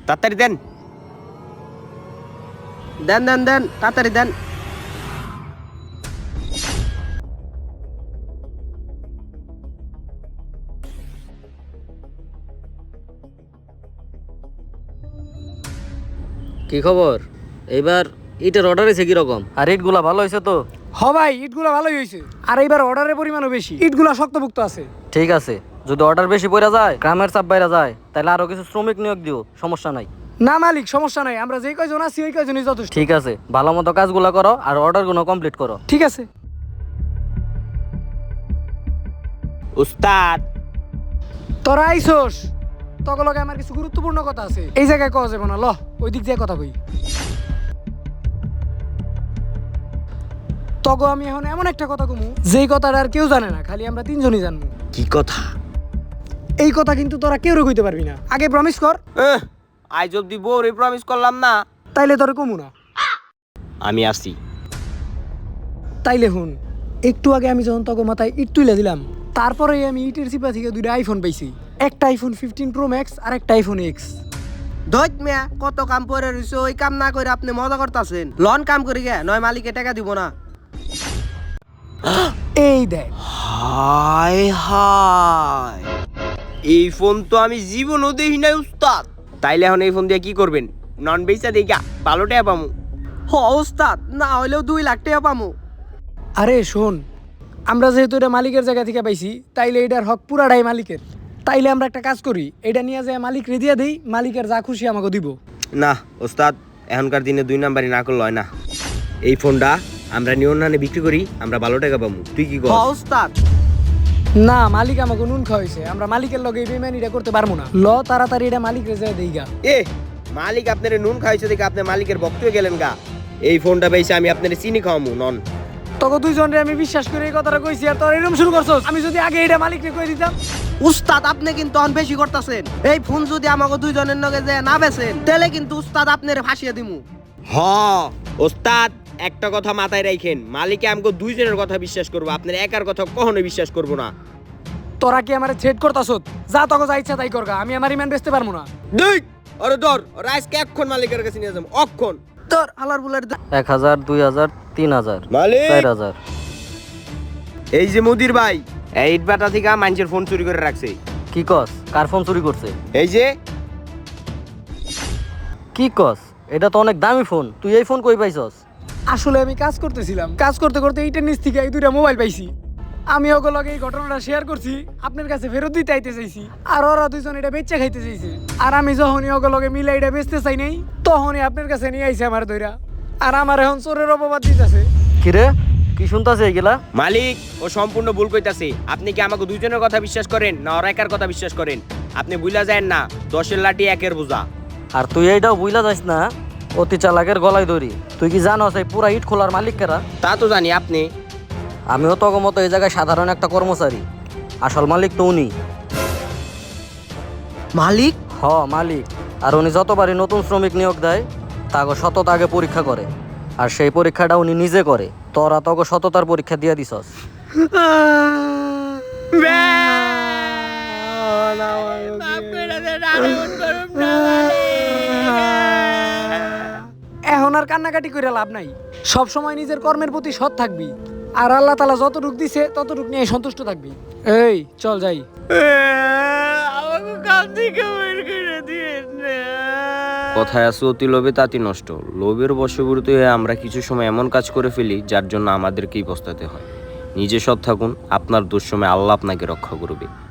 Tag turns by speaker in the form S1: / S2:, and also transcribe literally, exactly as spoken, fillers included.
S1: তাড়াতাড়ি দেন দেন দেন দেন তাড়াতাড়ি দেন।
S2: কি খবর? এইবার ইটের অর্ডার হয়েছে কিরকম? আর ইটগুলা ভালো হয়েছে তো?
S3: হ ভাই, ইটগুলা ভালোই হয়েছে। আর এইবার অর্ডারের পরিমাণও বেশি, ইটগুলা শক্তপোক্ত আছে।
S2: ঠিক আছে, যদি অর্ডার বেশি পড়া যায়, গ্রামের চাপ বাইরা যায়, তাহলে আরো কিছু শ্রমিক নিয়োগ দিও, সমস্যা নাই।
S3: না মালিক, সমস্যা নাই, আমরা যে কয়জন আছি ওই কয়জনই যথেষ্ট।
S2: ঠিক আছে, ভালো মতো কাজগুলো করো আর অর্ডারগুলো কমপ্লিট করো।
S3: ঠিক আছে
S1: উস্তাদ,
S3: তোরা আইসোস, তখন লগে আমার কিছু গুরুত্বপূর্ণ কথা আছে, এই জায়গায় কওয়া যাবে না। ল ওই দিক দিয়ে কথা কই। তগো আমি এখন এমন একটা কথা কমু, যেই কথাটা আর কেউ জানে না, খালি আমরা তিনজনই জানবো।
S1: কি কথা?
S3: এই কথা কিন্তু তোরা কেউ কইতে পারবি না, আগে প্রমিস কর।
S1: আজ অব্দি বউরে প্রমিস করলাম না।
S3: তাইলে তোরা কমু না।
S1: আমি আসি।
S3: তাইলে হুন, একটু আগে আমি যখন তগো মাথায় ইট তুলে দিলাম, তারপরেই আমি ইটের চিপা থেকে দুইটা আইফোন পাইছি। একটা আইফোন ফিফটিন প্রো ম্যাক্স আর একটা আইফোন এক্স।
S1: ধৈত মিয়া, কত কাম করে রইছো, ওই কাম না করে আপনি মজা করতেছেন। লন কাম করি গে, নয় মালিকে টাকা দিব না।
S3: এই দেখ।
S1: হায় হায়, এই ফোন তো আমি জীবনও দেখি নাই উস্তাদ। তাইলে এখন এই ফোন দিয়ে কি করবেন? নন বেচা দেখা ভালো টাকা পামু। হ উস্তাদ, না হইলেও দুই লাখ টাকা পামু।
S3: আরে শোন, আমরা যেহেতু এটা মালিকের জায়গা থেকে পাইছি, তাইলে এটার হক পুরাটাই মালিকের। তাইলে আমরা একটা কাজ করি, এটা নিয়ে যায় মালিক রেদিয়া দেই, মালিকের যা খুশি আমাকে দিব।
S1: না ওস্তাদ, এখনকার দিনে দুই নাম্বারই না করলে হয় না। এই ফোনটা আমরা নিয়ন্ত্রণে বিক্রি করি, আমরা ভালো টাকা পামু। তুই কি কর? উস্তাদ,
S3: না, মালিক আমাকে নুন খাওয়াইছে, আমরা মালিকের লগে এই বেইমানিটা করতে পারবো না। ল তাড়াতাড়ি এটা মালিক রেজা দেই গা।
S1: এ মালিক আপনার নুন খাইছে দেখে আপনি মালিকের ভক্ত হয়ে গেলেন গা। এই ফোনটা পাইছে আমি আপনার চিনি খাওয়ামু নন।
S3: তোকে দুইজনে আমি বিশ্বাস করে এই কথাটা কইছি, আর তোর এরকম শুরু করছস। আমি যদি আগে এটা মালিককে কই দিতাম।
S1: উস্তাদ, আপনি কিন্তু অন বেশি করতেছেন। এই ফোন যদি আমাকে দুইজনের লগে যায় না বেচেন, তাহলে কিন্তু উস্তাদ আপনারে ফাঁসিয়ে দিমু। হ ওস্তাদ, একটা কথা মাথায় রাখেন, মালিকে আমাকে দুইজনের কথা বিশ্বাস করবো, আপনার একার কথা কখনো বিশ্বাস করবো না।
S3: তোরা কি আমারে থ্রেট করতাছস? যা তোকে যা ইচ্ছা তাই করগা, আমি আমার ইমান বেচতে পারবো না।
S1: দুই আরে ধর, রাইসকে এক্ষণ মালিকের কাছে নিয়ে যাবো, অক্ষণ তোর হালার বুলার।
S2: এক হাজার, দুই হাজার, তিন হাজার,
S1: মালিক!
S2: চার হাজার।
S1: এই যে মুদির ভাই, এই ইটবাটা থেকে মানুষের ফোন চুরি করে রাখছে।
S2: কি কস? কার ফোন চুরি করছে?
S1: এই যে
S2: কি কস? এটা তো অনেক দামি ফোন, তুই এই ফোন কই পাইছস?
S3: আসলে আমি কাজ করতেছিলাম, কাজ করতে করতে এইটার নিচ থেকে এই দুইটা মোবাইল পাইছি। আমি ওকে লগে এই ঘটনাটা শেয়ার করছি, আপনার কাছে ফেরত দিতে আইতে চাইছি, আর ওরা দুইজন এটা বেচে খাইতে চাইছে। আর আমি যখনই ওকে লগে মিলে এটা বেচতে চাই নাই, তখনই আপনার কাছে নিয়ে আইছে আমার দইরা। আর আমার এখন চোরের অপবাদ দিতেছে।
S2: কিরে, কি শুনতাছে এগুলা?
S1: মালিক, ও সম্পূর্ণ ভুল কইতাছে। আপনি কি আমাকে দুইজনের কথা বিশ্বাস করেন না ওর একার কথা বিশ্বাস করেন? আপনি বুইলা যায় না, দশের লাঠি একের বোঝা।
S2: আর তুই এইটাও বুইলা যাস না, অতি চালাকের গলায় ধরি। তুই কি জানোস এই পুরা ইট খোলার মালিক কারা?
S1: তা তো জানি। আপনি?
S2: আমিও তো মতো এই জায়গায় সাধারণ একটা কর্মচারী, আসল মালিক তো উনি।
S1: মালিক?
S2: হ, মালিক। আর উনি যতবারই নতুন শ্রমিক নিয়োগ দেয়, তাকে সততা আগে পরীক্ষা করে, আর সেই পরীক্ষাটা উনি নিজে করে। তোরা তোকে সততার পরীক্ষা দিয়ে দিছস।
S3: এখন আর কান্নাকাটি করে লাভ নাই, সব সময় নিজের কর্মের প্রতি সৎ থাকবি, আর আল্লাহ তাআলা যতটুক দিছে ততটুক নিয়ে সন্তুষ্ট থাকবি। এই চল যাই।
S1: কথায় আছে, অতি লোভে তাঁতি নষ্ট। লোভের বশবর্তী হয়ে আমরা কিছু সময় এমন কাজ করে ফেলি যার জন্য আমাদেরকেই পস্তাতে হয়। নিজে সৎ থাকুন, আপনার দুঃসময় আল্লাহ আপনাকে রক্ষা করবে।